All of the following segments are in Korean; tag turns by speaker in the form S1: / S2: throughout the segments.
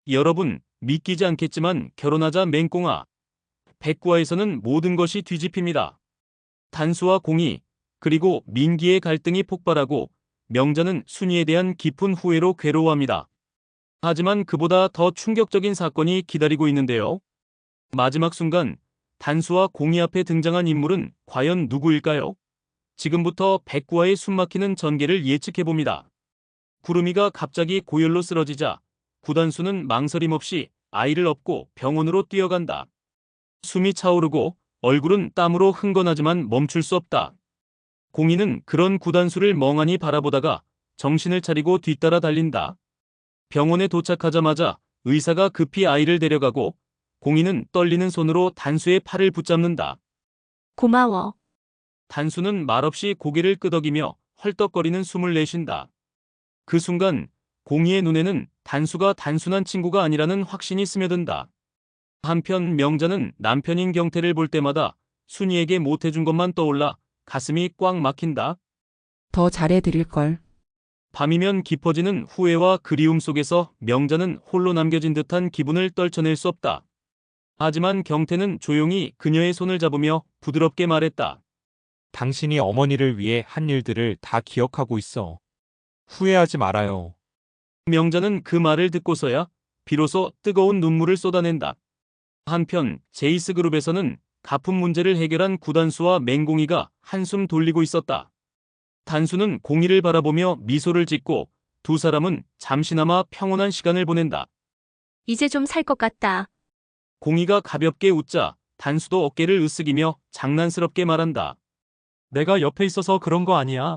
S1: 여러분, 믿기지 않겠지만 결혼하자 맹꽁아. 백구화에서는 모든 것이 뒤집힙니다. 단수와 공의, 그리고 민기의 갈등이 폭발하고 명자는 순이에 대한 깊은 후회로 괴로워합니다. 하지만 그보다 더 충격적인 사건이 기다리고 있는데요. 마지막 순간 단수와 공의 앞에 등장한 인물은 과연 누구일까요? 지금부터 백구와의 숨막히는 전개를 예측해봅니다. 구름이가 갑자기 고열로 쓰러지자 구단수는 망설임 없이 아이를 업고 병원으로 뛰어간다. 숨이 차오르고 얼굴은 땀으로 흥건하지만 멈출 수 없다. 공이는 그런 구단수를 멍하니 바라보다가 정신을 차리고 뒤따라 달린다. 병원에 도착하자마자 의사가 급히 아이를 데려가고 공이는 떨리는 손으로 단수의 팔을 붙잡는다.
S2: 고마워.
S1: 단수는 말없이 고개를 끄덕이며 헐떡거리는 숨을 내쉰다. 그 순간 공이의 눈에는 단수가 단순한 친구가 아니라는 확신이 스며든다. 한편 명자는 남편인 경태를 볼 때마다 순이에게 못해준 것만 떠올라 가슴이 꽉 막힌다.
S3: 더 잘해드릴걸.
S1: 밤이면 깊어지는 후회와 그리움 속에서 명자는 홀로 남겨진 듯한 기분을 떨쳐낼 수 없다. 하지만 경태는 조용히 그녀의 손을 잡으며 부드럽게 말했다.
S4: 당신이 어머니를 위해 한 일들을 다 기억하고 있어. 후회하지 말아요.
S1: 명자는 그 말을 듣고서야 비로소 뜨거운 눈물을 쏟아낸다. 한편 제이스그룹에서는 가품 문제를 해결한 구단수와 맹공이가 한숨 돌리고 있었다. 단수는 공이를 바라보며 미소를 짓고 두 사람은 잠시나마 평온한 시간을 보낸다.
S2: 이제 좀 살 것 같다.
S1: 공이가 가볍게 웃자 단수도 어깨를 으쓱이며 장난스럽게 말한다.
S5: 내가 옆에 있어서 그런 거 아니야.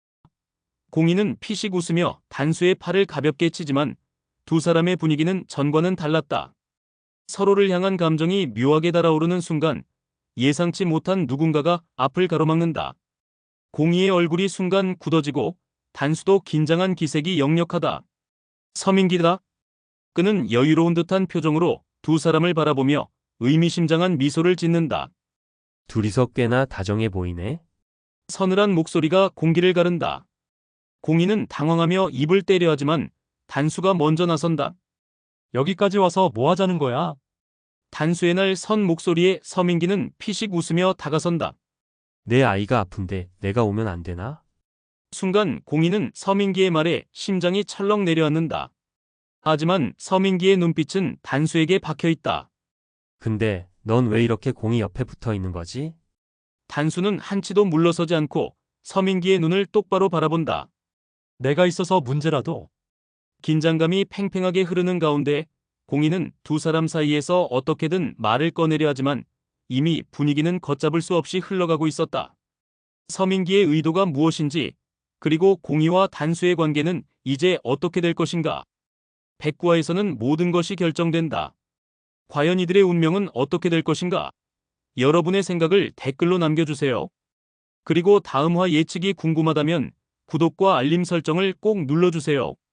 S1: 공이는 피식 웃으며 단수의 팔을 가볍게 치지만 두 사람의 분위기는 전과는 달랐다. 서로를 향한 감정이 묘하게 달아오르는 순간 예상치 못한 누군가가 앞을 가로막는다. 공이의 얼굴이 순간 굳어지고 단수도 긴장한 기색이 역력하다. 서민기다. 그는 여유로운 듯한 표정으로 두 사람을 바라보며 의미심장한 미소를 짓는다.
S6: 둘이서 꽤나 다정해 보이네.
S1: 서늘한 목소리가 공기를 가른다. 공이는 당황하며 입을 때려 하지만 단수가 먼저 나선다.
S5: 여기까지 와서 뭐 하자는 거야?
S1: 단수의 날 선 목소리에 서민기는 피식 웃으며 다가선다.
S6: 내 아이가 아픈데 내가 오면 안 되나?
S1: 순간 공이는 서민기의 말에 심장이 철렁 내려앉는다. 하지만 서민기의 눈빛은 단수에게 박혀있다.
S6: 근데 넌 왜 이렇게 공이 옆에 붙어 있는 거지?
S1: 단수는 한치도 물러서지 않고 서민기의 눈을 똑바로 바라본다.
S5: 내가 있어서 문제라도.
S1: 긴장감이 팽팽하게 흐르는 가운데 공이는 두 사람 사이에서 어떻게든 말을 꺼내려 하지만 이미 분위기는 걷잡을 수 없이 흘러가고 있었다. 서민기의 의도가 무엇인지, 그리고 공이와 단수의 관계는 이제 어떻게 될 것인가? 백구화에서는 모든 것이 결정된다. 과연 이들의 운명은 어떻게 될 것인가? 여러분의 생각을 댓글로 남겨주세요. 그리고 다음 화 예측이 궁금하다면 구독과 알림 설정을 꼭 눌러주세요.